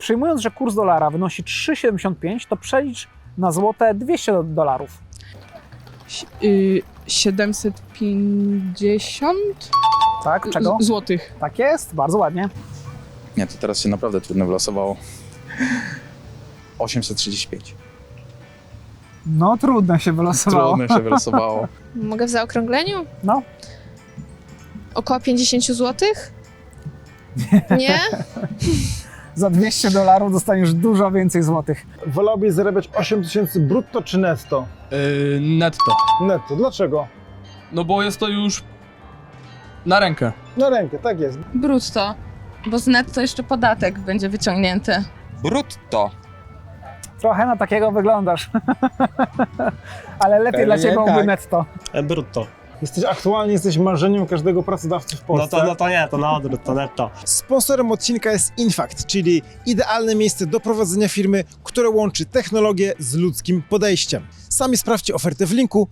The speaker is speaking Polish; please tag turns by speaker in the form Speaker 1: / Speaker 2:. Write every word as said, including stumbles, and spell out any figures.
Speaker 1: Przyjmując, że kurs dolara wynosi trzy siedemdziesiąt pięć, to przelicz na złote dwieście dolarów.
Speaker 2: Yy, siedemset pięćdziesiąt
Speaker 1: Tak, czego?
Speaker 2: Z- złotych.
Speaker 1: Tak jest, bardzo ładnie.
Speaker 3: Nie, to teraz się naprawdę trudno wylosowało. osiemset trzydzieści pięć.
Speaker 1: No trudno się wylosowało.
Speaker 3: Trudno się wylosowało.
Speaker 4: Mogę w zaokrągleniu?
Speaker 1: No,
Speaker 4: Około pięćdziesiąt złotych? Nie?
Speaker 1: za dwieście dolarów dostaniesz dużo więcej złotych.
Speaker 5: Wolałbyś zarabiać osiem tysięcy brutto czy netto?
Speaker 6: Yy, netto.
Speaker 5: Netto. Dlaczego?
Speaker 6: No bo jest to już na rękę.
Speaker 5: Na rękę, tak jest.
Speaker 7: Brutto, bo z netto jeszcze podatek będzie wyciągnięty.
Speaker 8: Brutto.
Speaker 1: Trochę na takiego wyglądasz. Ale lepiej
Speaker 5: Pewnie
Speaker 1: dla Ciebie byłoby
Speaker 5: tak.
Speaker 1: netto.
Speaker 9: E, Brutto.
Speaker 5: Jesteś aktualnie jesteś marzeniem każdego pracodawcy w
Speaker 9: No
Speaker 5: Polsce.
Speaker 9: to, no to nie, to na odwrót, to netto.
Speaker 5: Sponsorem odcinka jest Infact, czyli idealne miejsce do prowadzenia firmy, które łączy technologię z ludzkim podejściem. Sami sprawdźcie ofertę w linku